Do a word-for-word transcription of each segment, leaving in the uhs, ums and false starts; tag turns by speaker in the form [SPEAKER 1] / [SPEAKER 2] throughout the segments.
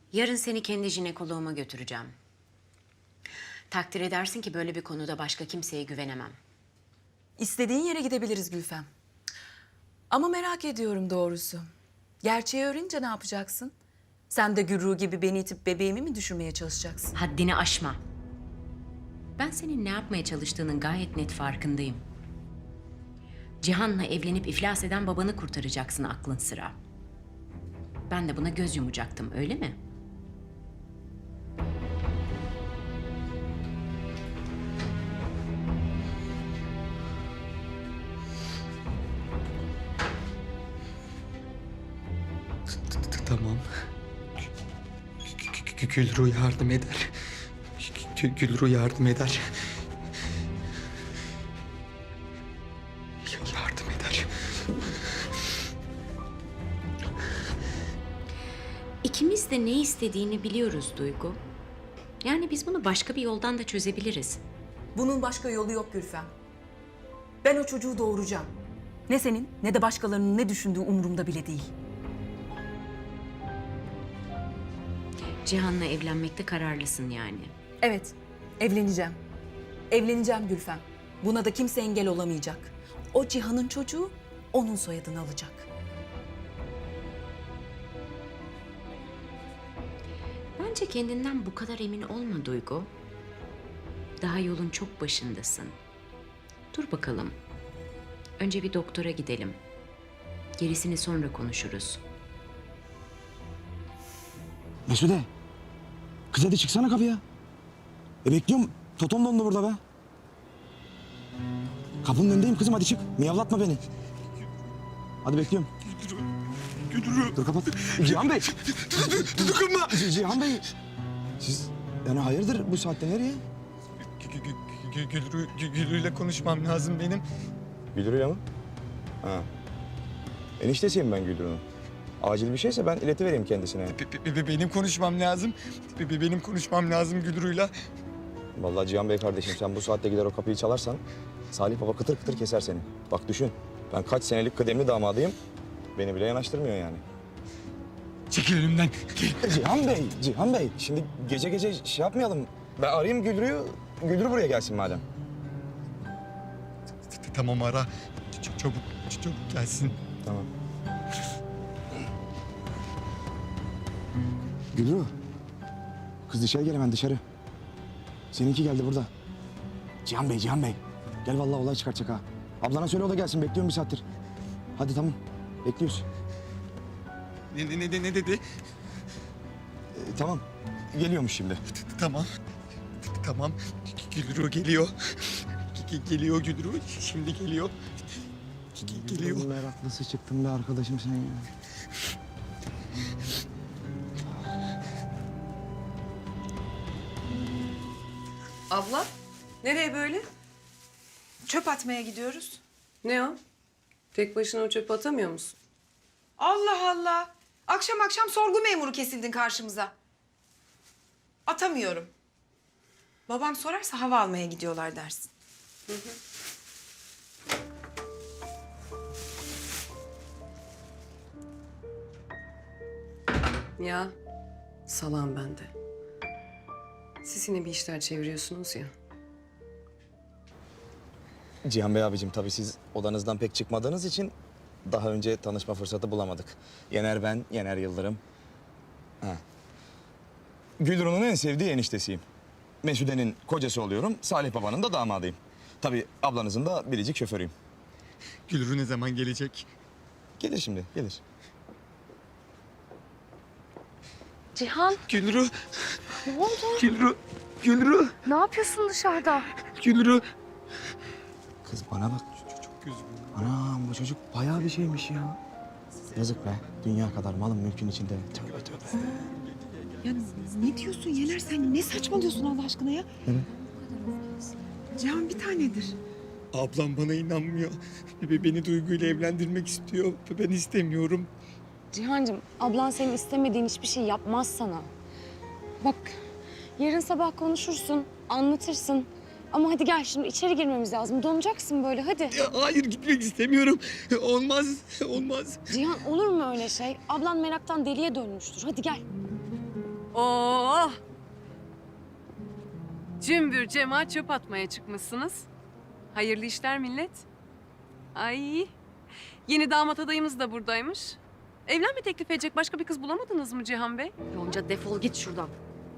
[SPEAKER 1] Yarın seni kendi jinekoloğuma götüreceğim. Takdir edersin ki böyle bir konuda başka kimseye güvenemem.
[SPEAKER 2] İstediğin yere gidebiliriz Gülfem. Ama merak ediyorum doğrusu. Gerçeği öğrenince ne yapacaksın? Sen de Gürru gibi beni itip bebeğimi mi düşürmeye çalışacaksın?
[SPEAKER 1] Haddini aşma. Ben senin ne yapmaya çalıştığının gayet net farkındayım. Cihan'la evlenip iflas eden babanı kurtaracaksın aklın sıra. Ben de buna göz yumacaktım, öyle mi?
[SPEAKER 3] Tamam. Gülru yardım eder. Gülru yardım eder. Yardım eder.
[SPEAKER 1] İkimiz de ne istediğini biliyoruz Duygu. Yani biz bunu başka bir yoldan da çözebiliriz.
[SPEAKER 2] Bunun başka yolu yok Gülfem. Ben o çocuğu doğuracağım. Ne senin ne de başkalarının ne düşündüğü umurumda bile değil.
[SPEAKER 1] Cihan'la evlenmekte kararlısın yani.
[SPEAKER 2] Evet, evleneceğim. Evleneceğim Gülfem. Buna da kimse engel olamayacak. O Cihan'ın çocuğu onun soyadını alacak.
[SPEAKER 1] Bence kendinden bu kadar emin olma Duygu. Daha yolun çok başındasın. Dur bakalım. Önce bir doktora gidelim. Gerisini sonra konuşuruz.
[SPEAKER 4] Mesude. Kız hadi çıksana kapıya. E bekliyorum. Totom dondu burada be. Kapının önündeyim kızım, hadi çık. Miyavlatma beni. Hadi bekliyorum.
[SPEAKER 3] Gülru.
[SPEAKER 4] Dur kapat. Cihan Bey.
[SPEAKER 3] Dokunma.
[SPEAKER 4] C- Cihan Bey. Siz yani hayırdır bu saatte nereye?
[SPEAKER 3] Gülru, Gülru'yla konuşmam lazım benim.
[SPEAKER 4] Gülru'ya mı? Ha. Eniştesiyim ben Gülru'nun. Acil bir şeyse ben iletivereyim kendisine.
[SPEAKER 3] Be- be- Benim konuşmam lazım. Be- be- Benim konuşmam lazım Gülru'yla.
[SPEAKER 4] Vallahi Cihan Bey kardeşim, sen bu saatte gider o kapıyı çalarsan Salih Baba kıtır kıtır keser seni. Bak düşün, ben kaç senelik kıdemli damadıyım. Beni bile yanaştırmıyor yani.
[SPEAKER 3] Çekil önümden.
[SPEAKER 4] Cihan Bey, Cihan Bey. Şimdi gece gece şey yapmayalım. Ben arayayım Gülru'yu, Gülru buraya gelsin madem.
[SPEAKER 3] Tamam ara. Ç- Çabuk, ç- çabuk gelsin.
[SPEAKER 4] Tamam. Gülru. Kız dışarı gel hemen dışarı. Seninki geldi burada. Cihan Bey, Cihan Bey. Gel vallahi olay çıkartacak ha. Ablana söyle o da gelsin, bekliyorum bir saattir. Hadi tamam, bekliyoruz.
[SPEAKER 3] Ne, ne, ne, ne dedi?
[SPEAKER 4] Ee, tamam, geliyormuş şimdi.
[SPEAKER 3] Tamam. Tamam. Gülru geliyor. Ge- Geliyor Gülru. Şimdi geliyor. Ge- Geliyor.
[SPEAKER 4] Meraklısı çıktın be arkadaşım sen ya.
[SPEAKER 5] Abla, nereye böyle?
[SPEAKER 6] Çöp atmaya gidiyoruz.
[SPEAKER 5] Ne o? Tek başına o çöpü atamıyor musun?
[SPEAKER 6] Allah Allah. Akşam akşam sorgu memuru kesildin karşımıza. Atamıyorum. Babam sorarsa hava almaya gidiyorlar dersin.
[SPEAKER 5] Ya, salam ben de. Siz yine bir işler çeviriyorsunuz ya.
[SPEAKER 4] Cihan Bey abicim, tabii siz odanızdan pek çıkmadığınız için daha önce tanışma fırsatı bulamadık. Yener ben, Yener Yıldırım. Ha. Gülru'nun en sevdiği eniştesiyim. Mesude'nin kocası oluyorum, Salih Baba'nın da damadıyım. Tabii ablanızın da biricik şoförüyüm.
[SPEAKER 3] Gülru ne zaman gelecek?
[SPEAKER 4] Gelir şimdi, gelir.
[SPEAKER 7] Cihan,
[SPEAKER 3] Gülru.
[SPEAKER 7] ne oldu?
[SPEAKER 3] Gülru. Gülru.
[SPEAKER 7] Ne yapıyorsun dışarıda?
[SPEAKER 3] Gülru.
[SPEAKER 4] Kız bana bak.
[SPEAKER 3] Çok üzgünüm.
[SPEAKER 4] Anam bu çocuk bayağı bir şeymiş ya. Yazık be, dünya kadar malın mülkün içinde. Tövbe tövbe.
[SPEAKER 6] Ya ne diyorsun Yener, sen ne saçmalıyorsun Allah aşkına ya?
[SPEAKER 4] Evet.
[SPEAKER 6] Cihan bir tanedir.
[SPEAKER 3] Ablam bana inanmıyor. Be- Beni Duygu ile evlendirmek istiyor. Ben istemiyorum.
[SPEAKER 7] Cihancığım, ablan senin istemediğin hiçbir şey yapmaz sana. Bak, yarın sabah konuşursun, anlatırsın. Ama hadi gel şimdi içeri girmemiz lazım. Donacaksın böyle, hadi.
[SPEAKER 3] Ya hayır, gitmek istemiyorum. Olmaz, olmaz.
[SPEAKER 7] Cihan, olur mu öyle şey? Ablan meraktan deliye dönmüştür. Hadi gel.
[SPEAKER 5] Oh! Cümbür cemaat çöp atmaya çıkmışsınız. Hayırlı işler millet. Ay, yeni damat adayımız da buradaymış. Evlenme teklif edecek başka bir kız bulamadınız mı Cihan Bey?
[SPEAKER 7] Yonca defol git şuradan.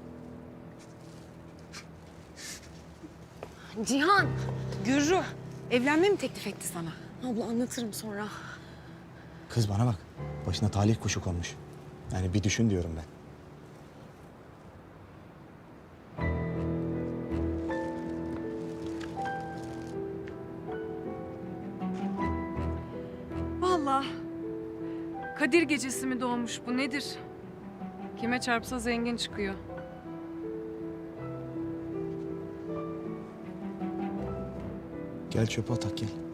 [SPEAKER 7] Cihan.
[SPEAKER 6] Gürru, evlenme mi teklif etti sana?
[SPEAKER 7] Abla anlatırım sonra.
[SPEAKER 4] Kız bana bak. Başına talih kuşu konmuş. Yani bir düşün diyorum ben.
[SPEAKER 5] Vallahi Kadir gecesi mi doğmuş bu nedir? Kime çarpsa zengin çıkıyor.
[SPEAKER 4] Gel çöpe atak gel.